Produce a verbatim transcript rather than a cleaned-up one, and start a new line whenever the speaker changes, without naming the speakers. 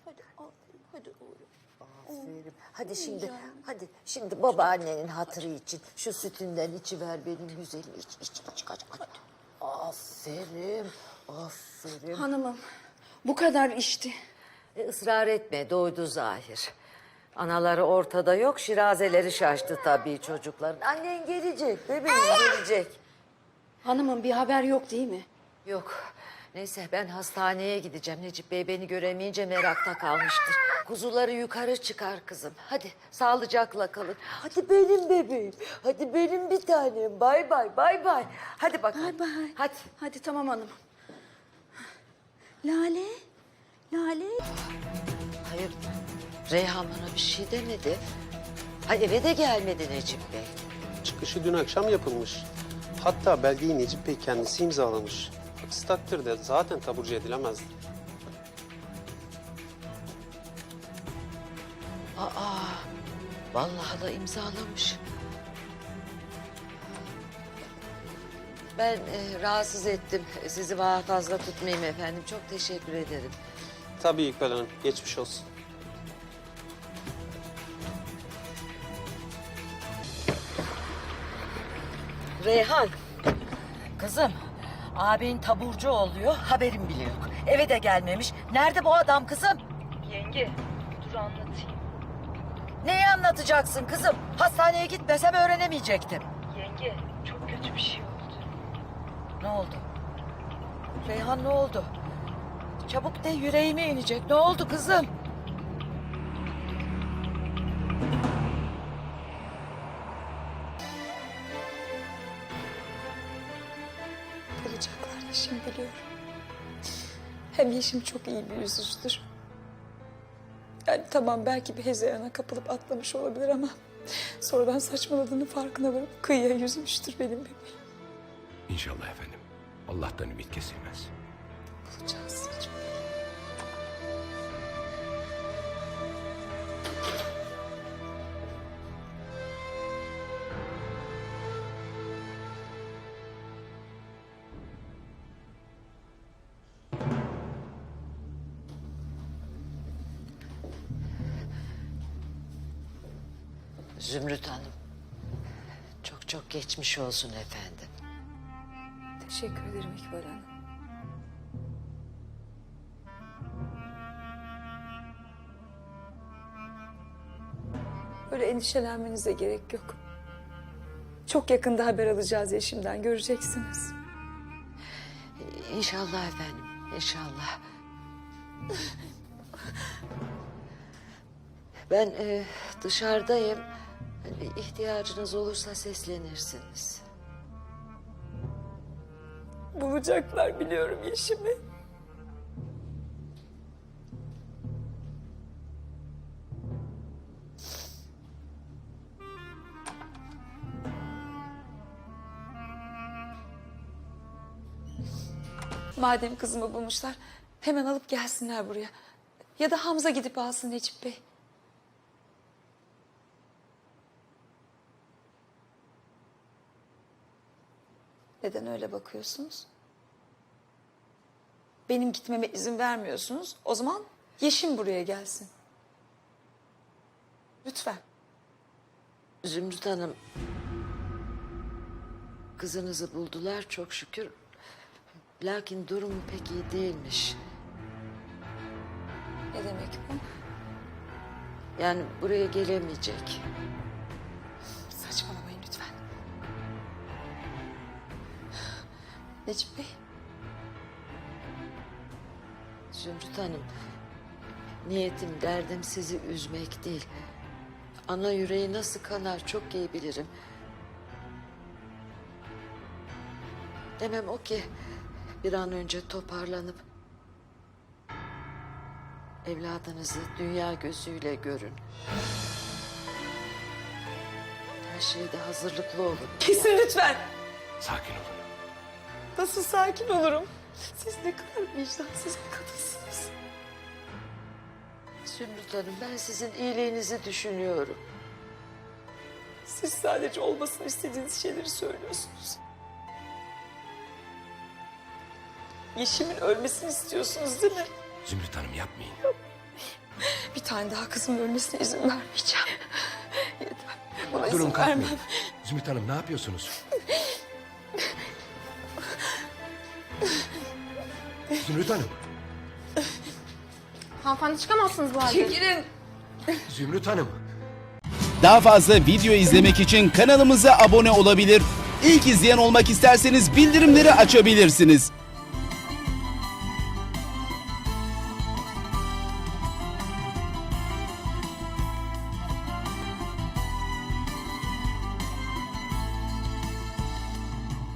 Hadi aferin, hadi oğlum.
Aferin. Hadi şimdi, hadi şimdi babaannenin hatırı için şu sütünden içiver benim güzelim. İç, iç, iç, kaç, kaç. Aferin, aferin.
Hanımım, bu kadar içti.
E, ısrar etme, doydu zahir. Anaları ortada yok, şirazeleri şaştı tabii çocukların. Annen gelecek, bebeğim gelecek.
Hanımım bir haber yok değil mi?
Yok, neyse ben hastaneye gideceğim. Necip Bey beni göremeyince merakta kalmıştır. Kuzuları yukarı çıkar kızım. Hadi sağlıcakla kalın. Hadi benim bebeğim, hadi benim bir tanem. Bay bay, bay bay. Hadi bakalım.
Bay bay.
Hadi.
Hadi tamam hanım. Lale, Lale.
Hayır, Reyhan bana bir şey demedi. Hay eve de gelmedi Necip Bey.
Çıkışı dün akşam yapılmış. Hatta belgeyi Necip Bey kendisi imzalamış. Aksi takdirde zaten taburcu edilemezdi.
Aa, vallahi da imzalamış. Ben e, rahatsız ettim. Sizi daha fazla tutmayayım efendim. Çok teşekkür ederim.
Tabii İkbal Hanım, geçmiş olsun.
Reyhan, kızım, abin taburcu oluyor, haberim bile yok. Eve de gelmemiş. Nerede bu adam kızım?
Yenge, dur anlatayım.
Neyi anlatacaksın kızım? Hastaneye gitmesem öğrenemeyecektim.
Yenge, çok kötü bir şey oldu.
Ne oldu? Reyhan ne oldu? Çabuk de yüreğime inecek. Ne oldu kızım?
Bulacaklar Yeşim biliyorum. Hem Yeşim çok iyi bir yüzücüdür. Yani tamam belki bir hezeyana kapılıp atlamış olabilir ama... ...sonradan saçmaladığının farkına varıp kıyıya yüzmüştür benim bebeğim.
İnşallah efendim. Allah'tan ümit kesilmez.
Bulacağız Necip.
Zümrüt Hanım. Çok çok geçmiş olsun efendim.
Teşekkür ederim İkbal Hanım. Böyle endişelenmenize gerek yok. Çok yakında haber alacağız Yeşim'den, göreceksiniz.
İnşallah efendim, inşallah. Ben e, dışarıdayım. Bir ihtiyacınız olursa seslenirsiniz.
Bulacaklar biliyorum Yeşim'i. Madem kızımı bulmuşlar, hemen alıp gelsinler buraya. Ya da Hamza gidip alsın Necip Bey. Neden öyle bakıyorsunuz? Benim gitmeme izin vermiyorsunuz. O zaman Yeşim buraya gelsin. Lütfen.
Zümrüt Hanım, kızınızı buldular çok şükür. Lakin durumu pek iyi değilmiş.
Ne demek bu?
Yani buraya gelemeyecek.
Saçmalamayın lütfen. Necip Bey,
Zümrüt Hanım, niyetim, derdim sizi üzmek değil. Ana yüreği nasıl kanar çok iyi bilirim. Demem o ki bir an önce toparlanıp evladınızı dünya gözüyle görün. Her şeyde hazırlıklı olun.
kesin lütfen.
Sakin olun.
Nasıl sakin olurum? Siz ne kadar vicdansız bir kadınsınız.
Zümrüt Hanım, ben sizin iyiliğinizi düşünüyorum.
Siz sadece olmasını istediğiniz şeyleri söylüyorsunuz. Yeşim'in ölmesini istiyorsunuz değil mi?
Zümrüt Hanım yapmayın.
tane daha kızımın ölmesine izin vermeyeceğim. Yeter. Buna
Durun
izin
kalkmayın.
vermem.
Zümrüt Hanım ne yapıyorsunuz? Zümrüt Hanım.
Hanımefendi çıkamazsınız bu halde.
Çekilin.
Zümrüt Hanım.
Daha fazla video izlemek için kanalımıza abone olabilir. İlk izleyen olmak isterseniz bildirimleri açabilirsiniz.